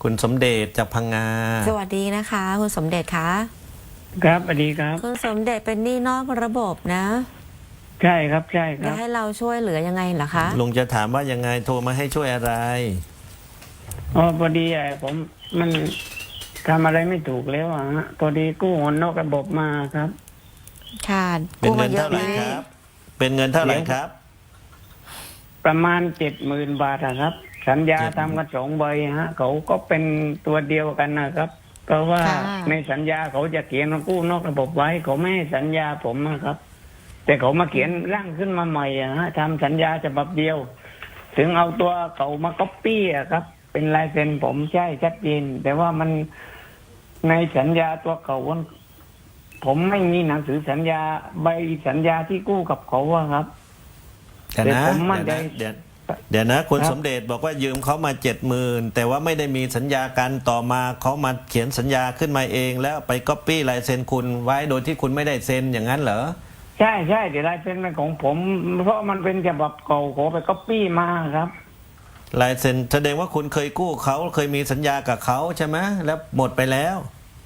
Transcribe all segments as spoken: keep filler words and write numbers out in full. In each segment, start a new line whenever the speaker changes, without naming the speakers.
คุณสมเด็จจากพังงา
สวัสดีนะคะคุณสมเด็จคะ
ครับสวัสดีครับ
คุณสมเด็จเป็นหนี้นอกระบบนะ
ใช่ครับใช่ครั
จะ
บ
ให้เราช่วยเหลือยังไงเหรอคะ
ลุงจะถามว่ายังไงโทรมาให้ช่วยอะไร
อ๋อพอดีไอ้ผมมันทำอะไรไม่ถูกแล้วอ่ะฮะพอดีกู้เงินนอกระบบมาครับ
ค่ะ
เป็นเงินเท่าไหร่ครับเป็นเงินเท่าไหร่ครับ
ประมาณเจ็ดหมื่นบาทครับสัญญาทำกันสองใบฮะเขาก็เป็นตัวเดียวกันนะครับเพราะว่าในสัญญาเขาจะเขียนกู้นอกระบบไว้เขาไม่ให้สัญญาผมนะครับ แต่เขามาเขียนร่างขึ้นมาใหม่อะฮะทำสัญญาฉบับเดียว ถึงเอาตัวเขามาก๊อปปี้อะครับเป็นลายเซ็นผมใช่ชัดเจนแต่ว่ามันในสัญญาตัวเขาผมไม่มีหนังสือสัญญาใบสัญญาที่กู้กับเขาอะครับ
แต่นะเดี๋ยวนะเดี๋ยวเดี๋ยวนะคุณสมเด็จบอกว่ายืมเขามาเจ็ดหมื่นแต่ว่าไม่ได้มีสัญญากันต่อมาเขามาเขียนสัญญาขึ้นมาเองแล้วไปก๊อปปี้ลายเซ็นคุณไว้โดยที่คุณไม่ได้เซ็นอย่างนั้นเหรอ
ใช่ใช่แต่ลายเซ็นเป็นของผมเพราะมันเป็นฉบับเก่าขอไปก๊อปปี้มาครับ
ลายเซ็นแสดงว่าคุณเคยกู้เขาเคยมีสัญญากับเขาใช่ไหมแล้วหมดไปแล้ว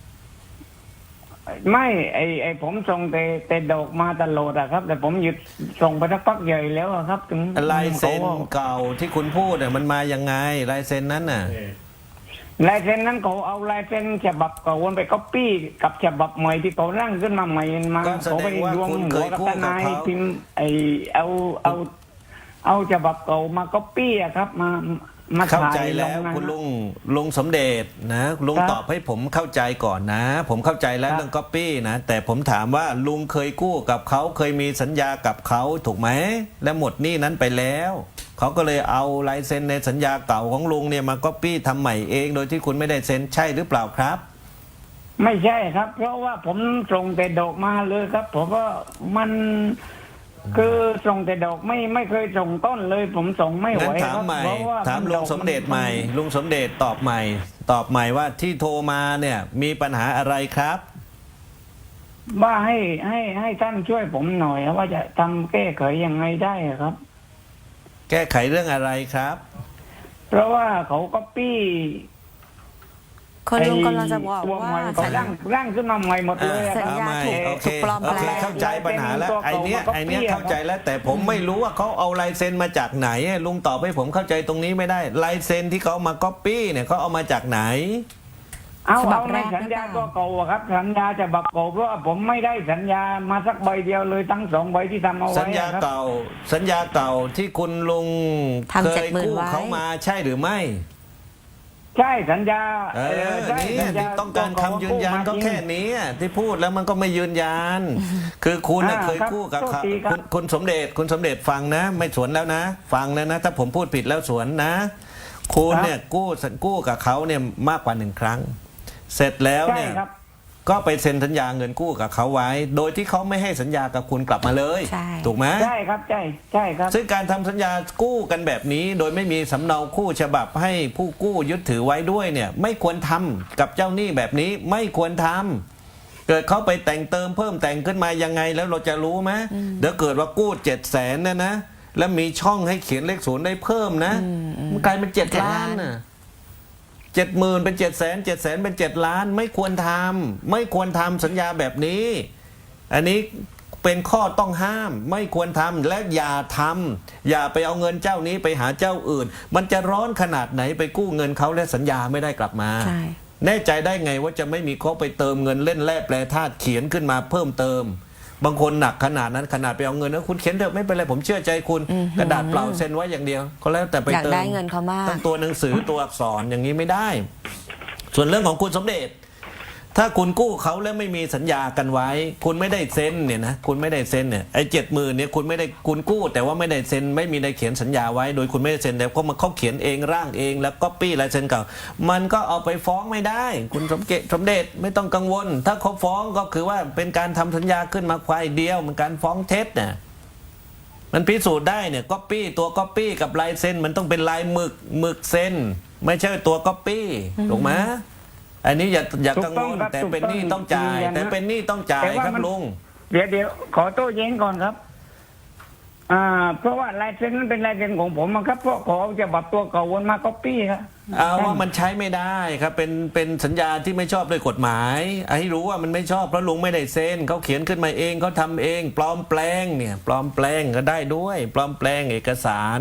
ไม่ไอไอผมส่งแต่แต่ดอกมาตลอดอะครับแต่ผมหยุดส่งไปสักพักใหญ่แล้วครับถึง
ลายเซ็นเก่าที่คุณพูดเนี่ยมันมายังไงลายเซ็นนั้นน่ะ
ลายเซ็นนั้นเขาเอาลายเซ็นฉบับเก่าวนไปก๊อปปี้กับฉบับใหม่ที่เขาร่างขึ้นมาใหม่มาเขาไปรวมหัวกับทนายพิมพ์ไอเอาเอาเอาฉบับเก่ามาก๊อปปี้อะครับมามา
เข้าใจแล้วคุณลุงลุงสมเด็จนะลุงตอบให้ผมเข้าใจก่อนนะผมเข้าใจแล้วเรื่องก๊อปปี้นะแต่ผมถามว่าลุงเคยกู้กับเขาเคยมีสัญญากับเขาถูกไหมและหมดหนี้นั้นไปแล้วเขาก็เลยเอาลายเซ็นในสัญญาเก่าของลุงเนี่ยมาก๊อปปี้ทำใหม่เองโดยที่คุณไม่ได้เซ็นใช่หรือเปล่าครับ
ไม่ใช่ครับเพราะว่าผมส่งแต่ดอกมาเลยครับผมว่ามันคือส่งแต่ดอกไม่ไม่เคยส่งต้นเลยผมส่งไม่ไหว
ครับเพราะว่าถามลุงสมเด็จใหม่ลุงสมเด็จตอบใหม่ตอบใหม่ว่าที่โทรมาเนี่ยมีปัญหาอะไรครับ
ว่าให้ให้ให้ท่านช่วยผมหน่อยว่าจะทำแก้ไขยังไงได้ครับ
แก้ไขเรื่องอะไรครับ
เพราะว่าเขาก็ปี้
คนลุงกำลังจะบอกว่า
สัญญาร่างขึ้นมาใหม่หมดเลย
สัญญาถูกปลอมแปลง
เข้าใจปัญหาแล้วไอเนี้ยไอเนี้ยเข้าใจแล้วแต่ผมไม่รู้ว่าเขาเอาลายเซ็นมาจากไหนลุงตอบให้ผมเข้าใจตรงนี้ไม่ได้ลายเซ็นที่เขามาก๊อปปี้เนี่ยเขาเอามาจากไหน
เอาเอาในสัญญาตัวเก่าครับสัญญาจะบักเก่าเพราะว่าผมไม่ได้สัญญามาสักใบเดียวเลยทั้งสองใบที่ทำเอาไว้
สัญญาเก่าสัญญาเก่าที่คุณลุงเคยกู้เขามาใช่หรือไม่
ใช่สัญญา
เออนี่ที่ต้องการคำยืนยันก็แค่นี้ที่พูดแล้วมันก็ไม่ยืนยันคือคุณเคยกู้กับเขาคุณสมเด็จคุณสมเด็จฟังนะไม่สวนแล้วนะฟังแล้วนะถ้าผมพูดผิดแล้วสวนนะคุณเนี่ยกู้กู้กับเขาเนี่ยมากกว่าหนึ่งครั้งเสร็จแล้วเนี่ยก็ไปเซ็นสัญญาเงินกู้กับเขาไว้โดยที่เขาไม่ให้สัญญากับคุณกลับมาเลยถูกไหม
ใช่ครับใช่ใช่ครับ
ซึ่งการทำสัญญากู้กันแบบนี้โดยไม่มีสำเนาคู่ฉบับให้ผู้กู้ยึดถือไว้ด้วยเนี่ยไม่ควรทำกับเจ้าหนี้แบบนี้ไม่ควรทำเกิดเขาไปแต่งเติมเพิ่มแต่งขึ้นมายังไงแล้วเราจะรู้ไหมเดี๋ยวเกิดว่ากู้เจ็ดแสนเนี่ยนะแล้วมีช่องให้เขียนเลขศูนย์ได้เพิ่มนะมันกลายเป็นเจ็ดล้านน่ะเจ็ดหมื่นเป็นเจ็ดแสนเจ็ดแสนเป็นเจ็ดล้านไม่ควรทำไม่ควรทำสัญญาแบบนี้อันนี้เป็นข้อต้องห้ามไม่ควรทำและอย่าทำอย่าไปเอาเงินเจ้านี้ไปหาเจ้าอื่นมันจะร้อนขนาดไหนไปกู้เงินเขาและสัญญาไม่ได้กลับมาแน่ใจได้ไงว่าจะไม่มีเขาไปเติมเงินเล่นแร่แปรธาตุเขียนขึ้นมาเพิ่มเติมบางคนหนักขนาดนั้นขนาดไปเอาเงินแล้วคุณเขียนเถอะไม่เป็นไรผมเชื่อใจคุณกระดาษเปล่าเซ็นไว้อย่างเดียวก็แล้วแต่ไปเติม
เงินเขามาก
ตั้งตัวหนังสือตัวอักษรอย่างนี้ไม่ได้ส่วนเรื่องของคุณสมเด็จถ้าคุณกู้เขาแล้วไม่มีสัญญากันไว้คุณไม่ได้เซ็นเนี่ยนะคุณไม่ได้เซ็นเนี่ยไอ้เจ็ดหมื่นเนี่ยคุณไม่ได้คุณกู้แต่ว่าไม่ได้เซ็นไม่มีได้เขียนสัญญาไว้โดยคุณไม่ได้เซ็นแต่ก็มาเขาเขียนเองร่างเองแล้วก็ปี้ลายเซ็นเก่ามันก็เอาไปฟ้องไม่ได้คุณสมเกตสมเด็จไม่ต้องกังวลถ้าเขาฟ้องก็คือว่าเป็นการทำสัญญาขึ้นมาควายเดียวมันการฟ้องเท็จเนี่ยมันพิสูจน์ได้เนี่ยก๊อปปี้ตัวก๊อปปี้กับลายเซ็นมันต้องเป็นลายหมึกหมึกเซ็นไม่ใช่ตัวก๊อปปี้ถูกไหมอันนี้อย่าอย่ากังวลแต่เป็นหนี้ต้องจ่ายแต่เป็นหนี้ต้องจ่ายครับลุง
เดี๋ยวเดี๋ยวขอโต้แย้งก่อนครับอ่าเพราะว่าลายเซ็นนั้นเป็นลายเซ็นของผมครับเพราะขอจะบับตัวเก่าวนมาก๊อปปี้ครับ
เอาว่ามันใช้ไม่ได้ครับเป็นเป็นสัญญาที่ไม่ชอบด้วยกฎหมายให้รู้ว่ามันไม่ชอบเพราะลุงไม่ได้เซ็นเขาเขียนขึ้นมาเองเขาทำเองปลอมแปลงเนี่ยปลอมแปลงก็ได้ด้วย ปลอมแปลงเอกสาร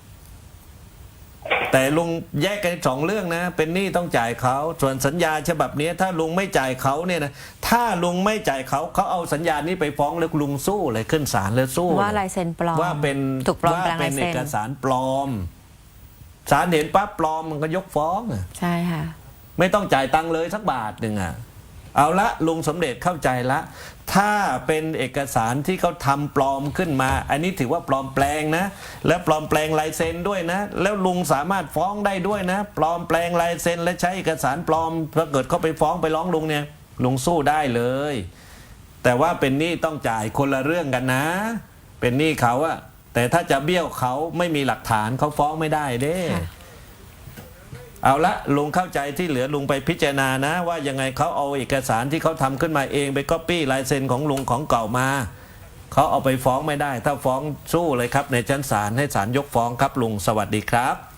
แต่ลุงแยกกันสองเรื่องนะเป็นหนี้ต้องจ่ายเขาส่วนสัญญาฉบับนี้ถ้าลุงไม่จ่ายเขาเนี่ยนะถ้าลุงไม่จ่ายเขาเขาเอาสัญญานี้ไปฟ้องแล้วลุงสู้เลยขึ้นศาลแล้วสู้
ว่าลายเซ็นปลอม
ว่าเป็น
ถูกปลอม
ว่า
แปลง
เป็
ลาน ย
เอ
เซ็น
กสารปลอมศาลเห็นปั๊บปลอมมันก็ยกฟ้องอะ
ใช่ค่ะ
ไม่ต้องจ่ายตังค์เลยสักบาทหนึ่งอ่ะเอาละลุงสมเด็จเข้าใจละ ถ้าเป็นเอกสารที่เขาทำปลอมขึ้นมา อันนี้ถือว่าปลอมแปลงนะ และปลอมแปลงลายเซ็นด้วยนะ แล้วลุงสามารถฟ้องได้ด้วยนะ ปลอมแปลงลายเซ็นและใช้เอกสารปลอมถ้าเกิดเขาไปฟ้องไปร้องลุงเนี่ยลุงสู้ได้เลย แต่ว่าเป็นหนี้ต้องจ่ายคนละเรื่องกันนะ เป็นหนี้เขาอะแต่ถ้าจะเบี้ยวเขาไม่มีหลักฐานเขาฟ้องไม่ได้เด้
ค่ะ
เอาละลุงเข้าใจที่เหลือลุงไปพิจารณานะ ว่ายังไงเขาเอาเอกสารที่เขาทำขึ้นมาเองไปก๊อปปี้ลายเซ็นของลุงของเก่ามาเขาเอาไปฟ้องไม่ได้ ถ้าฟ้องสู้เลยครับในชั้นศาลให้ศาลยกฟ้องครับลุงสวัสดีครับ